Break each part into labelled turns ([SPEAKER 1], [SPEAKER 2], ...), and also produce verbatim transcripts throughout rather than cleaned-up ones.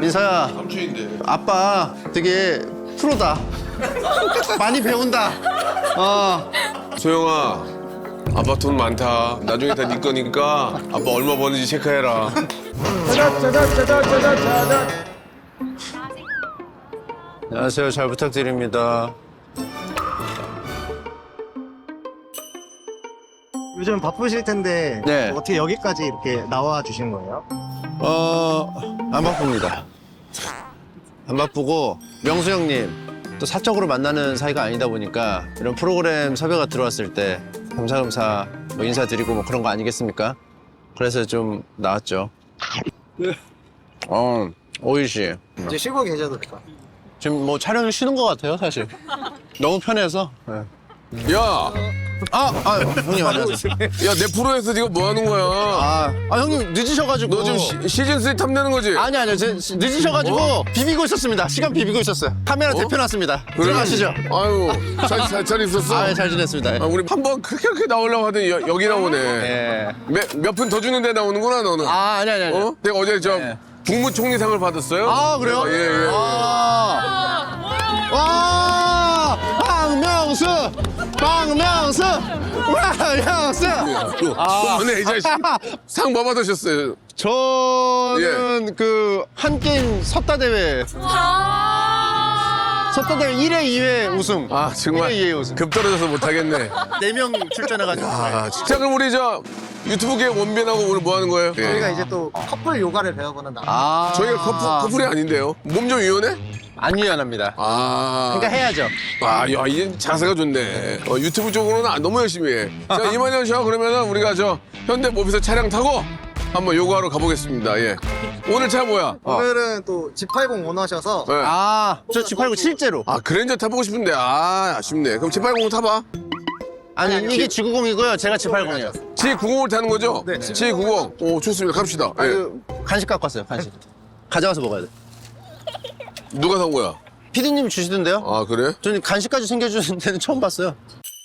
[SPEAKER 1] 민서야.
[SPEAKER 2] 삼촌인데.
[SPEAKER 1] 아빠 되게 프로다. 많이 배운다. 어.
[SPEAKER 2] 소영아, 아빠 돈 많다. 나중에 다 네 거니까 아빠 얼마 버는지 체크해라.
[SPEAKER 1] 안녕하세요. 잘 부탁드립니다.
[SPEAKER 3] 요즘 바쁘실 텐데
[SPEAKER 1] 네.
[SPEAKER 3] 어떻게 여기까지 이렇게 나와 주신 거예요?
[SPEAKER 1] 어, 안 바쁩니다. 안 바쁘고 명수 형님 또 사적으로 만나는 사이가 아니다 보니까 이런 프로그램 섭외가 들어왔을 때 겸사겸사 뭐 인사드리고 뭐 그런 거 아니겠습니까? 그래서 좀 나왔죠. 어, 오일 씨.
[SPEAKER 3] 이제 쉬고 계셔도 될것 같아요.
[SPEAKER 1] 지금 뭐 촬영을 쉬는 것 같아요, 사실. 너무 편해서. 네.
[SPEAKER 2] 야,
[SPEAKER 1] 아, 아, 형님 안녕하세요.
[SPEAKER 2] 야, 내 프로에서 네가 뭐 하는 거야?
[SPEAKER 1] 아, 아 형님 늦으셔가지고.
[SPEAKER 2] 너 지금 시, 시즌 쓰리 탐내는 거지?
[SPEAKER 1] 아니 아니요, 제, 늦으셔가지고
[SPEAKER 2] 어?
[SPEAKER 1] 비비고 있었습니다. 시간 비비고 있었어요. 카메라 대표놨습니다. 들어가시죠.
[SPEAKER 2] 아유, 잘, 잘, 잘 있었어?
[SPEAKER 1] 아, 잘 지냈습니다.
[SPEAKER 2] 아, 우리 한 번 그렇게 그렇게 나오려고 하더니 여, 여기 나오네.
[SPEAKER 1] 예.
[SPEAKER 2] 몇 분 더 주는데 나오는구나, 너는.
[SPEAKER 1] 아, 아니 아니 아니.
[SPEAKER 2] 어? 내가 어제 저
[SPEAKER 1] 네.
[SPEAKER 2] 국무총리상을 받았어요.
[SPEAKER 1] 아, 그래요?
[SPEAKER 2] 예, 예.
[SPEAKER 1] 아. 와, 박명수, 박명수, 박명수. 아.
[SPEAKER 2] 그만해, 이 자식. 상 뭐 받으셨어요?
[SPEAKER 1] 저는 그 한 게임 섰다 대회. 섰다 대회 일 회, 이 회 우승.
[SPEAKER 2] 아, 정말
[SPEAKER 1] 일 회, 이 회 우승.
[SPEAKER 2] 급 떨어져서 못하겠네.
[SPEAKER 1] 네 명 출전해가지고.
[SPEAKER 2] 아, 진짜 그럼 우리 저 유튜브계 원빈하고 오늘 뭐 하는 거예요?
[SPEAKER 3] 저희가 이제 또 커플 요가를 배워보는 날.
[SPEAKER 1] 아.
[SPEAKER 2] 저희가 커플, 커플이 아닌데요. 몸 좀 유연해?
[SPEAKER 1] 안 유연합니다.
[SPEAKER 2] 아.
[SPEAKER 1] 그러니까 해야죠.
[SPEAKER 2] 아, 야, 이제 자세가 좋네. 어, 유튜브 쪽으로는 안- 너무 열심히 해. 자, 이만현 씨와 그러면은 우리가 저 현대 모비스 차량 타고 한번 요구하러 가보겠습니다. 예. 오늘 차 뭐야?
[SPEAKER 3] 오늘은 또 지 팔십 원하셔서
[SPEAKER 2] 예.
[SPEAKER 1] 아, 저 지 팔고 실제로.
[SPEAKER 2] 아, 그랜저 타보고 싶은데, 아, 아쉽네. 그럼 지 팔십 타봐.
[SPEAKER 1] 아니, 이게 지 구십이고요. 제가 지 팔십이요.
[SPEAKER 2] 지 구십을 타는 거죠?
[SPEAKER 3] 네.
[SPEAKER 2] 지 구십. 오, 좋습니다. 갑시다. 예.
[SPEAKER 1] 그 간식 갖고 왔어요, 간식. 가져가서 먹어야 돼.
[SPEAKER 2] 누가 산 거야?
[SPEAKER 1] 피디님이 주시던데요?
[SPEAKER 2] 아, 그래?
[SPEAKER 1] 저는 간식까지 챙겨주는 데는 처음 봤어요.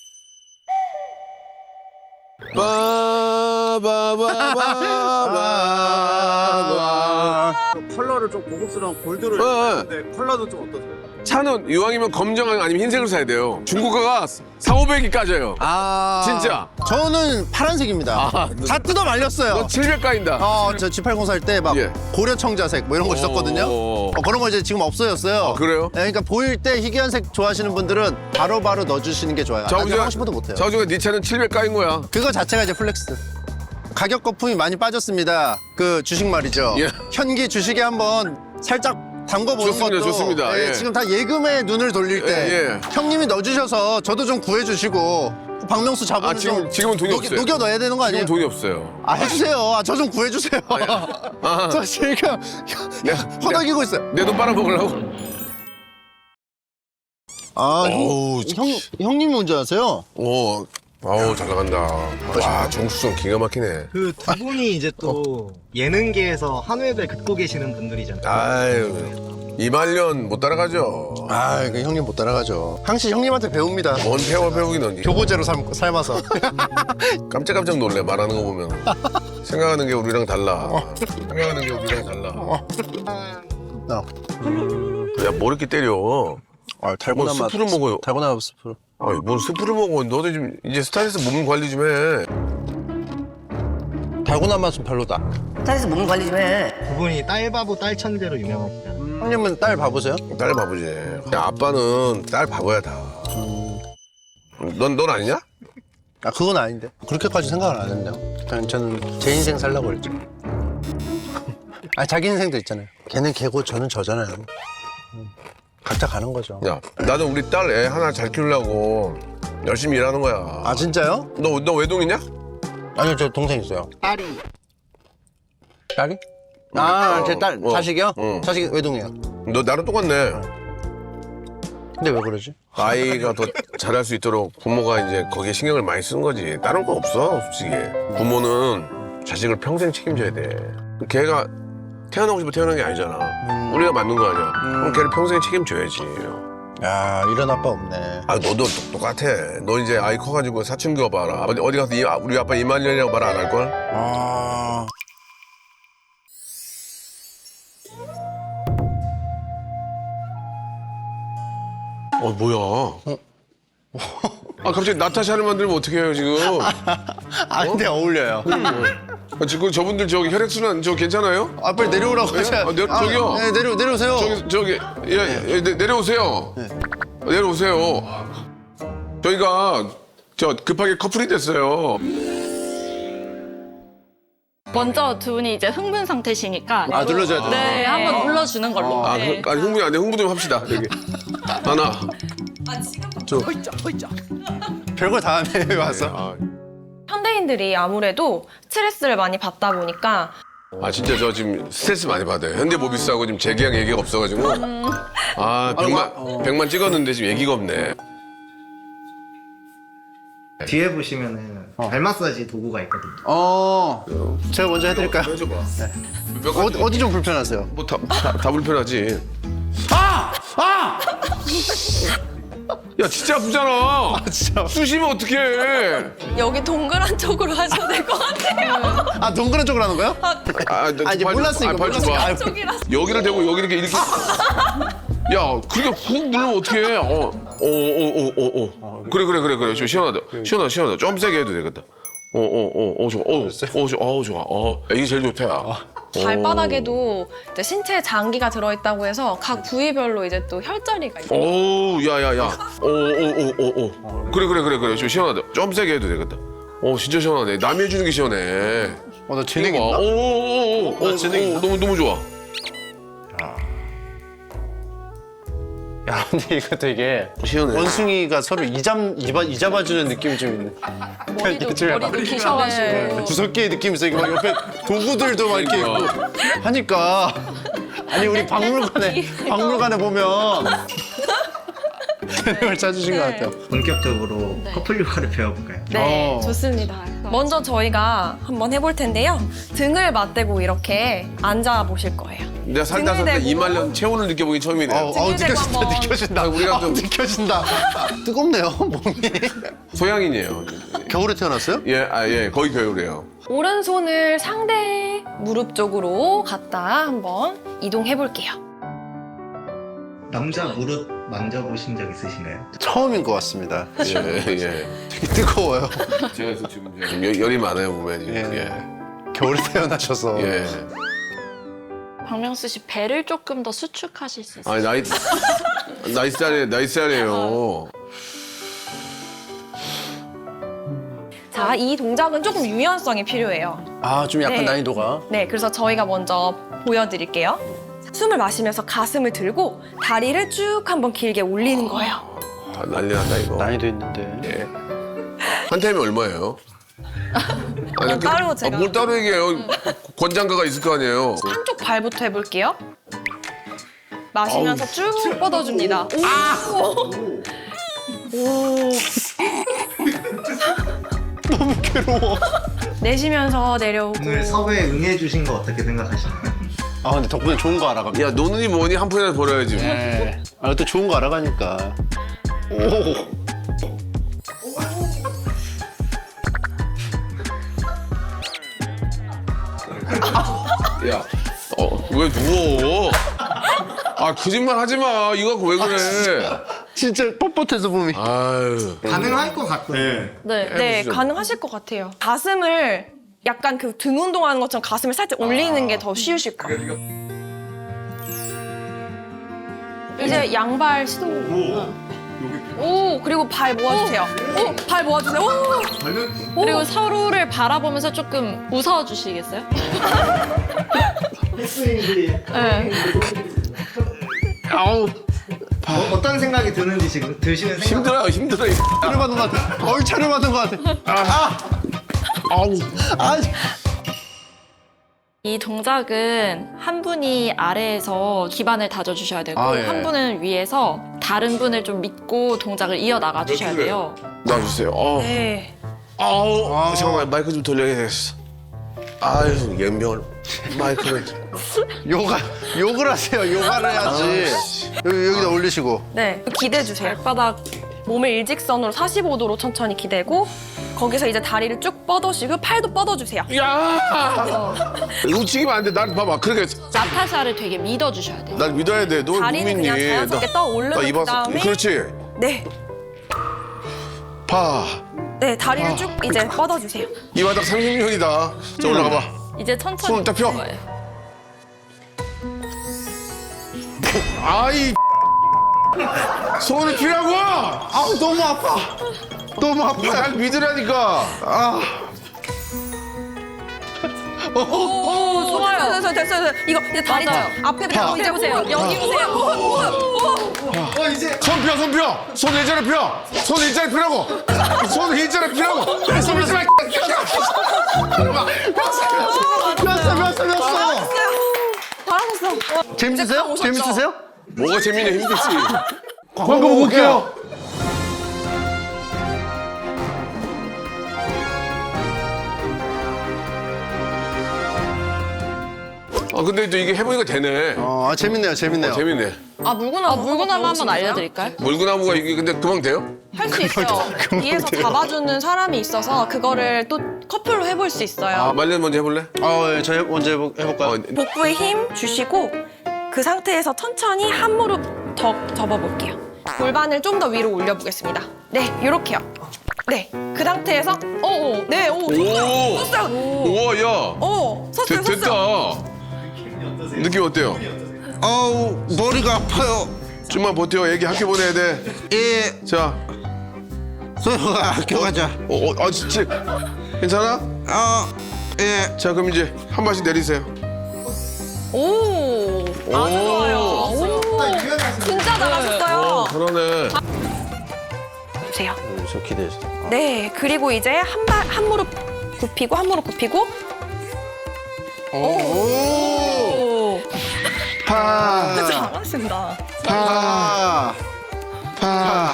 [SPEAKER 2] 빠바바바바바.
[SPEAKER 3] 컬러를 좀 고급스러운 골드를
[SPEAKER 2] 어, 어.
[SPEAKER 3] 했는데 컬러도 좀 어떠세요?
[SPEAKER 2] 차는 이왕이면 검정 아니면 흰색을 사야 돼요. 중고가가 사오백이 까져요.
[SPEAKER 1] 아.
[SPEAKER 2] 진짜?
[SPEAKER 1] 저는 파란색입니다.
[SPEAKER 2] 아,
[SPEAKER 1] 다 뜯어 말렸어요.
[SPEAKER 2] 너 칠백 까인다.
[SPEAKER 1] 어, 저 지 팔십 살 때 막
[SPEAKER 2] 예.
[SPEAKER 1] 고려 청자색 뭐 이런 거 있었거든요.
[SPEAKER 2] 오.
[SPEAKER 1] 어, 그런 거 이제 지금 없어졌어요.
[SPEAKER 2] 아, 그래요?
[SPEAKER 1] 네, 그러니까 보일 때 희귀한색 좋아하시는 분들은 바로바로 넣어주시는 게 좋아요. 나중에 하고 싶어도 못해요.
[SPEAKER 2] 자우지가 네 차는 칠백 까인 거야.
[SPEAKER 1] 그거 자체가 이제 플렉스. 가격 거품이 많이 빠졌습니다. 그 주식 말이죠.
[SPEAKER 2] 예.
[SPEAKER 1] 현기 주식에 한번 살짝 담궈보는
[SPEAKER 2] 좋습니다,
[SPEAKER 1] 것도
[SPEAKER 2] 좋습니다.
[SPEAKER 1] 예,
[SPEAKER 2] 예.
[SPEAKER 1] 지금 다 예금에 눈을 돌릴 때
[SPEAKER 2] 예, 예.
[SPEAKER 1] 형님이 넣어주셔서 저도 좀 구해주시고 박명수 자본을
[SPEAKER 2] 아, 지금-
[SPEAKER 1] 좀
[SPEAKER 2] 지금은 돈이
[SPEAKER 1] 녹여,
[SPEAKER 2] 없어요.
[SPEAKER 1] 녹여 넣어야 되는 거 아니에요?
[SPEAKER 2] 지금 돈이 없어요.
[SPEAKER 1] 아 해주세요. 아, 저 좀 구해주세요.
[SPEAKER 2] 아.
[SPEAKER 1] 저 지금
[SPEAKER 2] 내,
[SPEAKER 1] 허덕이고 있어요.
[SPEAKER 2] 내 돈 빨아먹으려고?
[SPEAKER 1] 아
[SPEAKER 2] 어우,
[SPEAKER 1] 형, 형님이 운전하세요?
[SPEAKER 2] 오, 아우, 잘 나간다. 와, 정수성 기가 막히네.
[SPEAKER 3] 그 두 분이 이제 또 예능계에서 한 획을 긋고 계시는 분들이잖아요.
[SPEAKER 2] 아유, 이말년 못 따라가죠.
[SPEAKER 1] 아, 그 형님 못 따라가죠. 항시 형님한테 배웁니다.
[SPEAKER 2] 뭔 배워 배우긴 언니.
[SPEAKER 1] 교보제로 삶, 삶아서.
[SPEAKER 2] 깜짝깜짝 놀래, 말하는 거 보면. 생각하는 게 우리랑 달라. 생각하는 게 우리랑 달라.
[SPEAKER 1] 어.
[SPEAKER 2] 야, 뭐 이렇게 때려?
[SPEAKER 1] 아, 달고나
[SPEAKER 2] 뭐
[SPEAKER 1] 맛.
[SPEAKER 2] 스프를 먹어요?
[SPEAKER 1] 달고나 맛 스프.
[SPEAKER 2] 아, 뭔 스프를 먹어. 너도 좀 이제 스타일에서 몸 관리 좀 해.
[SPEAKER 1] 달고나 맛은 별로다.
[SPEAKER 4] 스타일에서 몸 관리 좀 해.
[SPEAKER 3] 두 분이 딸바보 딸천재로 유명하시잖아요.
[SPEAKER 1] 형님은 딸 봐보세요.
[SPEAKER 2] 딸 바보지. 야, 아빠는 딸 바보야, 다. 넌, 넌 아니냐?
[SPEAKER 1] 아, 그건 아닌데. 그렇게까지 생각을 안 했네요. 그냥 저는 제 인생 살라고 그랬죠. 아, 자기 인생도 있잖아요. 걔는 걔고 저는 저잖아요. 음, 각자 가는 거죠.
[SPEAKER 2] 야, 나는 우리 딸 애 하나 잘 키우려고 열심히 일하는 거야.
[SPEAKER 1] 아, 진짜요?
[SPEAKER 2] 너, 너 외동이냐?
[SPEAKER 1] 아니요, 저 동생 있어요.
[SPEAKER 3] 딸이
[SPEAKER 1] 딸이? 아,
[SPEAKER 2] 어,
[SPEAKER 1] 제 딸,
[SPEAKER 2] 어,
[SPEAKER 1] 자식이요?
[SPEAKER 2] 어.
[SPEAKER 1] 자식이 외동이에요.
[SPEAKER 2] 너 나랑 똑같네.
[SPEAKER 1] 근데 왜 그러지?
[SPEAKER 2] 아이가 더 잘할 수 있도록 부모가 이제 거기에 신경을 많이 쓰는 거지. 다른 거 없어, 솔직히. 부모는 자식을 평생 책임져야 돼. 걔가 태어나고 싶어 태어난 게 아니잖아. 우리가 만든 거 아니야. 그럼 걔를 평생 책임져야지.
[SPEAKER 1] 야, 이런 아빠 없네.
[SPEAKER 2] 아, 너도 똑- 똑같아. 너 이제 아이 커가지고 사춘기 와봐라. 어디, 어디 가서 이, 아, 우리 아빠 이만년이라고 말 안 할걸?
[SPEAKER 1] 아.
[SPEAKER 2] 어 뭐야? 아 갑자기 나타샤를 만들면 어떻게 해요 지금?
[SPEAKER 1] 아 근데 어울려요.
[SPEAKER 2] 아, 지금 저분들 저기 혈액순환 저 괜찮아요?
[SPEAKER 1] 아 빨리 내려오라고
[SPEAKER 2] 예?
[SPEAKER 1] 하셔야.
[SPEAKER 2] 아, 내- 저기요.
[SPEAKER 1] 네 내려 내려오세요.
[SPEAKER 2] 저기 저기 예, 예 내, 내려오세요. 내려오세요. 저희가 저 급하게 커플이 됐어요.
[SPEAKER 5] 먼저 두 분이 이제 흥분 상태시니까
[SPEAKER 1] 아 눌러줘야 돼.
[SPEAKER 5] 네, 한번 눌러주는 걸로.
[SPEAKER 2] 아,
[SPEAKER 5] 네.
[SPEAKER 2] 그, 아니 흥분이 안 돼. 흥분 좀 합시다. 여기 하나.
[SPEAKER 1] 별걸 다 하네 와서.
[SPEAKER 2] 아,
[SPEAKER 6] 현대인들이 아무래도 스트레스를 많이 받다 보니까
[SPEAKER 2] 아 진짜 저 지금 스트레스 많이 받아요. 현대모비스하고 지금 재계약 얘기가 없어가지고 아 백만 백만 찍었는데 지금 얘기가 없네.
[SPEAKER 3] 뒤에 보시면은 발 마사지 도구가 있거든요.
[SPEAKER 1] 어. 제가 먼저 해드릴까요?
[SPEAKER 2] 해줘봐. 몇
[SPEAKER 1] 어디
[SPEAKER 2] 가지
[SPEAKER 1] 어디 좀 불편하세요?
[SPEAKER 2] 뭐다 다, 다 불편하지.
[SPEAKER 1] 아! 아!
[SPEAKER 2] 야 진짜 아프잖아.
[SPEAKER 1] 진짜.
[SPEAKER 2] 쑤시면 어떡해.
[SPEAKER 6] 여기 동그란 쪽으로 하셔야 될 것 같아요.
[SPEAKER 1] 아 동그란 쪽으로 하는 거예요?
[SPEAKER 2] 아, 너
[SPEAKER 1] 아, 이제
[SPEAKER 2] 발 좀-
[SPEAKER 1] 몰랐으니까,
[SPEAKER 2] 아, 발 좀 봐.
[SPEAKER 1] 몰랐으니까.
[SPEAKER 6] 쪽이라서.
[SPEAKER 2] 여기를 대고 여기 이렇게 이렇게. 야, 그렇게 훅 누르면 어떡해. 어, 어, 어, 어, 어, 어. 그래, 그래, 그래, 그래. 좀 시원하다. 시원하다, 시원하다. 좀 세게 해도 되겠다. 어, 어, 어, 어, 좋아. 어, 어, 좋아. 어, 좋아. 어, 이게 제일 좋다. 야.
[SPEAKER 6] 발바닥에도 이제 신체 장기가 들어있다고 해서 각 부위별로 이제 또 혈자리가 있어요.
[SPEAKER 2] 오, 야, 야, 야. 어, 어, 어, 어, 어. 그래, 그래, 그래, 그래. 좀 시원하다. 좀 세게 해도 되겠다. 어, 진짜 시원하네. 남이 해주는 게 시원해.
[SPEAKER 1] 어나 재능
[SPEAKER 2] 이거 봐.
[SPEAKER 1] 있나?
[SPEAKER 2] 오, 오, 오, 오,
[SPEAKER 1] 나
[SPEAKER 2] 오,
[SPEAKER 1] 재능 있나?
[SPEAKER 2] 오, 너무, 너무 좋아.
[SPEAKER 1] 야 근데 이거 되게
[SPEAKER 2] 시원해.
[SPEAKER 1] 원숭이가 서로 이잡 이바 이잡아주는 느낌이 좀 있네.
[SPEAKER 5] 머리도,
[SPEAKER 1] 이게 좀
[SPEAKER 5] 머리도 기셔가지고.
[SPEAKER 6] 네.
[SPEAKER 1] 구석기의 느낌이 있어. 이거 막 옆에 도구들도 막 이렇게 있고 하니까 아니 우리 박물관에 박물관에 보면 재능을 찾으신 것 같아요.
[SPEAKER 3] 본격적으로 커플 요가를 배워볼까요?
[SPEAKER 6] 네,
[SPEAKER 1] 어.
[SPEAKER 6] 좋습니다. 먼저 저희가 한번 해볼 텐데요. 등을 맞대고 이렇게 앉아 보실 거예요.
[SPEAKER 2] 내가 살다
[SPEAKER 6] 등을
[SPEAKER 2] 살다
[SPEAKER 6] 대고.
[SPEAKER 2] 이말년 체온을 느껴보긴 처음이네.
[SPEAKER 1] 아우, 아우
[SPEAKER 6] 등을 대고
[SPEAKER 1] 느껴진다
[SPEAKER 6] 한번.
[SPEAKER 1] 느껴진다.
[SPEAKER 2] 아, 우리가
[SPEAKER 1] 아우,
[SPEAKER 2] 좀-
[SPEAKER 1] 느껴진다. 뜨겁네요 몸이.
[SPEAKER 2] 소양인이에요.
[SPEAKER 1] 겨울에 태어났어요?
[SPEAKER 2] 예, 아, 예, 거의 겨울이에요.
[SPEAKER 6] 오른손을 상대 무릎 쪽으로 갖다 한번 이동해 볼게요.
[SPEAKER 3] 남자 무릎 만져보신 적 있으신가요?
[SPEAKER 1] 처음인 것 같습니다.
[SPEAKER 2] 예, 예.
[SPEAKER 1] 되게 뜨거워요.
[SPEAKER 2] 제가 지금 지금 열- 열이 많아요, 몸에 지금.
[SPEAKER 1] 예.
[SPEAKER 2] 예.
[SPEAKER 1] 겨울에 태어나셔서.
[SPEAKER 2] 예.
[SPEAKER 5] 박명수 씨 배를 조금 더 수축하실 수 있어요.
[SPEAKER 2] 아니, 나이, 나이스하네, 나이스하네요.
[SPEAKER 6] 자, 이 동작은 조금 유연성이 필요해요.
[SPEAKER 1] 아 좀 약간
[SPEAKER 6] 네.
[SPEAKER 1] 난이도가.
[SPEAKER 6] 네, 그래서 저희가 먼저 보여드릴게요. 숨을 마시면서 가슴을 들고 다리를 쭉 한번 길게 올리는 거예요.
[SPEAKER 2] 아, 난리 났다, 이거.
[SPEAKER 1] 난이도 있는데.
[SPEAKER 2] 예. 한 타임이 얼마예요? 아니,
[SPEAKER 6] 그건 따로 제가-
[SPEAKER 2] 아, 뭘 따로 얘기해요? 권장가가 있을 거 아니에요?
[SPEAKER 6] 한쪽 발부터 해볼게요. 마시면서 쭉 뻗어줍니다. 오! 오!
[SPEAKER 1] 너무 괴로워.
[SPEAKER 6] 내쉬면서 내려오고.
[SPEAKER 3] 오늘 섭외에 응해주신 거 어떻게 생각하시나요?
[SPEAKER 1] 아 근데 덕분에 좋은 거 알아갑니다.
[SPEAKER 2] 야, 노는이 뭐니? 한 푼이라도 벌어야지.
[SPEAKER 1] 네. 아, 또 좋은 거 알아가니까. 오.
[SPEAKER 2] 야, 어, 왜 누워? 아, 거짓말 하지 마. 이거 갖고 왜 그래?
[SPEAKER 1] 진짜 뻣뻣해서 몸이.
[SPEAKER 2] 아유.
[SPEAKER 3] 가능할 것 같거든요.
[SPEAKER 6] 네, 네,
[SPEAKER 2] 해보시죠.
[SPEAKER 6] 가능하실 것 같아요. 가슴을 약간 그 등 운동하는 것처럼 가슴을 살짝 올리는 게 더 쉬우실 거예요. 이제 양발 시도. 오, 그리고 발 모아주세요. 오, 발 모아주세요. 오,
[SPEAKER 5] 그리고 서로를 바라보면서 조금 웃어주시겠어요?
[SPEAKER 6] 네.
[SPEAKER 1] 아우.
[SPEAKER 3] 어, 어떤 생각이 드는지 지금 드시는 생각.
[SPEAKER 2] 힘들어요, 힘들어요.
[SPEAKER 1] 차를 받은 것 같아. 어이 차를 받은 것 같아. 아. 아우. 아.
[SPEAKER 5] 이 동작은 한 분이 아래에서 기반을 다져주셔야 되고
[SPEAKER 1] 아, 예.
[SPEAKER 5] 한 분은 위에서 다른 분을 좀 믿고 동작을 이어나가 주셔야 돼요.
[SPEAKER 2] 놔주세요. 어.
[SPEAKER 6] 네.
[SPEAKER 2] 아우.
[SPEAKER 1] 아.
[SPEAKER 2] 잠깐만, 마이크 좀 돌려야겠어. 아유, 연병을. 마이크를.
[SPEAKER 1] 요가 욕을 하세요. 요가를 해야지. 여기 여기다 올리시고.
[SPEAKER 6] 네. 기대주세요. 발바닥 몸을 일직선으로 사십오 도로 천천히 기대고 거기서 이제 다리를 쭉 뻗어주시고 팔도 뻗어주세요.
[SPEAKER 2] 야! 움직이면 안 돼. 난 봐봐. 그러니까
[SPEAKER 5] 나타샤를 되게 믿어주셔야 돼요.
[SPEAKER 2] 날 믿어야 돼. 너
[SPEAKER 6] 다리는
[SPEAKER 2] 믿니?
[SPEAKER 6] 그냥 자연스럽게 떠 올르는
[SPEAKER 2] 입어서-
[SPEAKER 6] 그다음에
[SPEAKER 2] 그렇지.
[SPEAKER 6] 네,
[SPEAKER 2] 파.
[SPEAKER 6] 네 다리를 쭉 이제 뻗어주세요.
[SPEAKER 2] 이 바닥 삼십 년이다. 자 올라가 봐.
[SPEAKER 5] 이제 천천히
[SPEAKER 2] 손을 딱 펴.
[SPEAKER 5] 거예요.
[SPEAKER 2] 아이 손을 피라고.
[SPEAKER 1] 아우 너무 아파. 너무 아파.
[SPEAKER 2] 날 믿으라니까. 아.
[SPEAKER 6] 오, 좋아요. 됐어요, 됐어요, 됐어요. 이거 이제 다리
[SPEAKER 5] 맞아요.
[SPEAKER 6] 앞에 보고 이제 보세요. 여기 보세요. 오, 오, 오.
[SPEAKER 1] 어 이제
[SPEAKER 2] 손 펴, 손 펴. 손 일자로 펴. 손 일자로 펴라고. 손 일자로 펴라고. 손 일자로
[SPEAKER 1] 폈어 폈어 폈어.
[SPEAKER 6] 잘하셨어.
[SPEAKER 1] 재밌으세요?
[SPEAKER 6] 오셨죠?
[SPEAKER 1] 재밌으세요?
[SPEAKER 2] 뭐가 재밌냐 힘들지.
[SPEAKER 1] 광고 보고 올게요.
[SPEAKER 2] 아 근데 또 이게 해보니까 되네.
[SPEAKER 1] 어 아, 재밌네요 재밌네요.
[SPEAKER 2] 어, 재밌네.
[SPEAKER 5] 아 물구나무, 아, 물구나무 한번 알려드릴까요?
[SPEAKER 2] 물구나무가 이게 근데 금방 돼요?
[SPEAKER 6] 할 수 있어요. 위에서 잡아주는 사람이 있어서 그거를 또 커플로 해볼 수 있어요.
[SPEAKER 2] 아, 말년 먼저 해볼래?
[SPEAKER 1] 아 예, 저 해- 먼저 해볼, 해볼까요?
[SPEAKER 2] 어,
[SPEAKER 6] 복부에 힘 주시고 그 상태에서 천천히 한 무릎 더 접어볼게요. 골반을 좀 더 위로 올려보겠습니다. 네, 이렇게요. 네, 그 상태에서 오, 네, 오,
[SPEAKER 2] 오!
[SPEAKER 6] 섰어요.
[SPEAKER 2] 우와 야.
[SPEAKER 6] 오, 섰어요,
[SPEAKER 2] 되,
[SPEAKER 6] 섰어요.
[SPEAKER 2] 됐다. 느낌 어때요?
[SPEAKER 1] 아우 머리가 아파요.
[SPEAKER 2] 좀만 버텨. 애기 학교 보내야 돼.
[SPEAKER 1] 예.
[SPEAKER 2] 자.
[SPEAKER 1] 소영아 학교 가자.
[SPEAKER 2] 어, 어, 아 진짜 괜찮아?
[SPEAKER 1] 아 예.
[SPEAKER 2] 자 그럼 이제 한 발씩 내리세요.
[SPEAKER 6] 오, 아주 좋아요. 오, 진짜 잘하셨어요.
[SPEAKER 2] 그러네.
[SPEAKER 6] 보세요.
[SPEAKER 1] 저 기대했어.
[SPEAKER 6] 네, 그리고 이제 한 발, 한 무릎 굽히고 한 무릎 굽히고. 오,
[SPEAKER 1] 파.
[SPEAKER 6] 잘하신다.
[SPEAKER 1] 파. 파.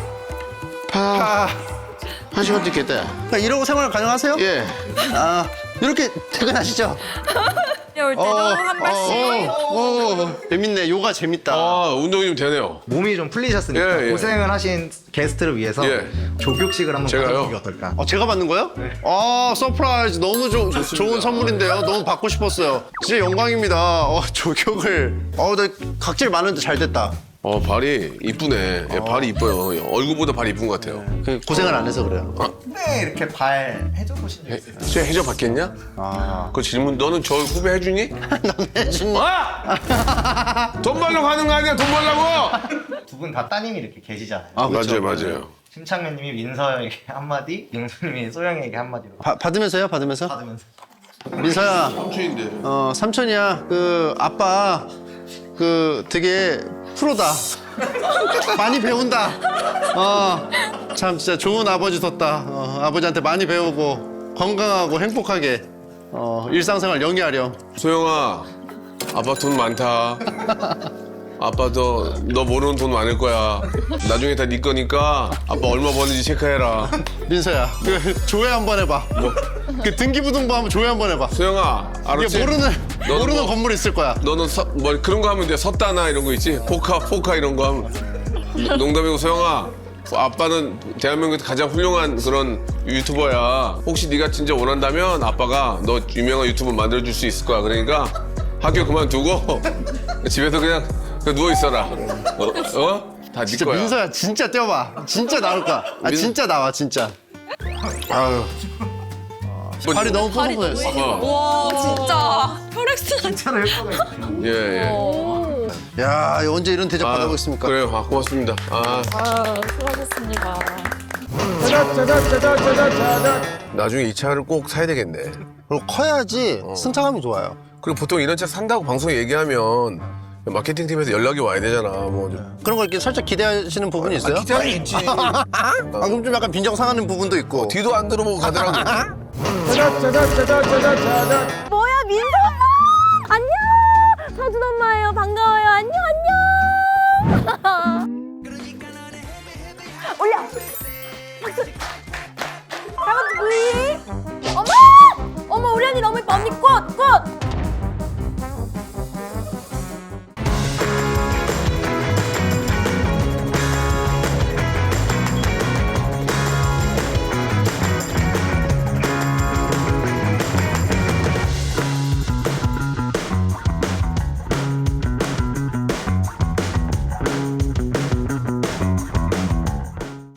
[SPEAKER 1] 파.
[SPEAKER 2] 한 시간 찍겠다.
[SPEAKER 1] 아, 이러고 생활 가능하세요?
[SPEAKER 2] 예.
[SPEAKER 1] 아 이렇게 퇴근하시죠?
[SPEAKER 6] 올 때도 한 발씩.
[SPEAKER 1] 어, 재밌네. 요가 재밌다.
[SPEAKER 2] 아 운동이 좀 되네요.
[SPEAKER 3] 몸이 좀 풀리셨으니까
[SPEAKER 2] 예, 예.
[SPEAKER 3] 고생을 하신 게스트를 위해서
[SPEAKER 2] 예.
[SPEAKER 3] 조격식을 한번
[SPEAKER 2] 제가요?
[SPEAKER 3] 가져보는 게 어떨까?
[SPEAKER 1] 어, 제가 받는 거요? 아 서프라이즈 너무 조, 좋은 선물인데요. 너무 받고 싶었어요. 진짜 영광입니다. 어, 조격을. 어, 나 각질 많은데 잘 됐다.
[SPEAKER 2] 어 발이 이쁘네. 예, 발이 이뻐요. 얼굴보다 발이 이쁜 것 같아요.
[SPEAKER 1] 그 고생을 안 해서 그래요.
[SPEAKER 3] 네, 이렇게 발 해줘 보신 적
[SPEAKER 2] 해,
[SPEAKER 3] 있어요?
[SPEAKER 2] 쟤 해줘 받겠냐?
[SPEAKER 1] 아.
[SPEAKER 2] 그 질문 너는 저 후배 해주니?
[SPEAKER 1] 넌 해주니?
[SPEAKER 2] 아! 돈 벌려고 하는 거 아니야? 돈 벌려고?
[SPEAKER 3] 두 분 다 따님이 이렇게 계시잖아요.
[SPEAKER 1] 아, 그렇죠.
[SPEAKER 2] 맞아요, 맞아요.
[SPEAKER 3] 심창면님이 민서에게 한마디, 영수님이 소영이에게 한마디로
[SPEAKER 1] 바, 받으면서요? 받으면서?
[SPEAKER 3] 받으면서
[SPEAKER 1] 민서야,
[SPEAKER 2] 삼촌인데.
[SPEAKER 1] 어 삼촌이야. 그 아빠 그 되게 프로다. 많이 배운다. 어, 참 진짜 좋은 아버지 뒀다. 어, 아버지한테 많이 배우고 건강하고 행복하게 어, 일상생활 영위하렴.
[SPEAKER 2] 소영아, 아빠 돈 많다. 아빠도 너 모르는 돈 많을 거야. 나중에 다 네 거니까 아빠 얼마 버는지 체크해라.
[SPEAKER 1] 민서야, 그 조회 한번 해봐. 그 등기부등본 한번 조회 한번 해봐.
[SPEAKER 2] 소영아, 알았지?
[SPEAKER 1] 이게 모르는
[SPEAKER 2] 너는
[SPEAKER 1] 모르는
[SPEAKER 2] 뭐-
[SPEAKER 1] 건물 있을 거야.
[SPEAKER 2] 너는 서, 뭐 그런 거 하면 돼. 섰다나 이런 거 있지? 포카, 포카 이런 거 하면. 농담이고 소영아, 아빠는 대한민국에서 가장 훌륭한 그런 유튜버야. 혹시 네가 진짜 원한다면 아빠가 너 유명한 유튜버 만들어줄 수 있을 거야. 그러니까 학교 그만두고 집에서 그냥, 그냥 누워 있어라. 어? 어? 다 네
[SPEAKER 1] 진짜
[SPEAKER 2] 거야.
[SPEAKER 1] 민서야, 진짜 뛰어봐. 진짜 나올 거야. 아
[SPEAKER 2] 민-
[SPEAKER 1] 진짜 나와 진짜. 아유. 발이 너무 뽀송뽀송했어.
[SPEAKER 2] 어.
[SPEAKER 6] 와, 진짜 혈액순환.
[SPEAKER 3] 진짜로 효과가 있어요.
[SPEAKER 2] 예, 예.
[SPEAKER 1] 야, 언제 이런 대접 받아보겠습니까?
[SPEAKER 2] 그래요. 아, 고맙습니다. 아,
[SPEAKER 5] 아 수고하셨습니다.
[SPEAKER 2] 나중에 이 차를 꼭 사야 되겠네.
[SPEAKER 1] 그리고 커야지 승차감이 좋아요.
[SPEAKER 2] 그리고 보통 이런 차 산다고 방송에 얘기하면 마케팅 팀에서 연락이 와야 되잖아. 뭐 좀.
[SPEAKER 1] 그런 걸 이렇게 살짝 기대하시는 부분이 있어요?
[SPEAKER 2] 기대하면 있지.
[SPEAKER 1] 아, 그럼 좀 약간 빈정 상하는 부분도 있고.
[SPEAKER 2] 뒤도 안 들어보고 가더라고.
[SPEAKER 7] 뭐야 민서야 안녕 서준 엄마예요 반가워요.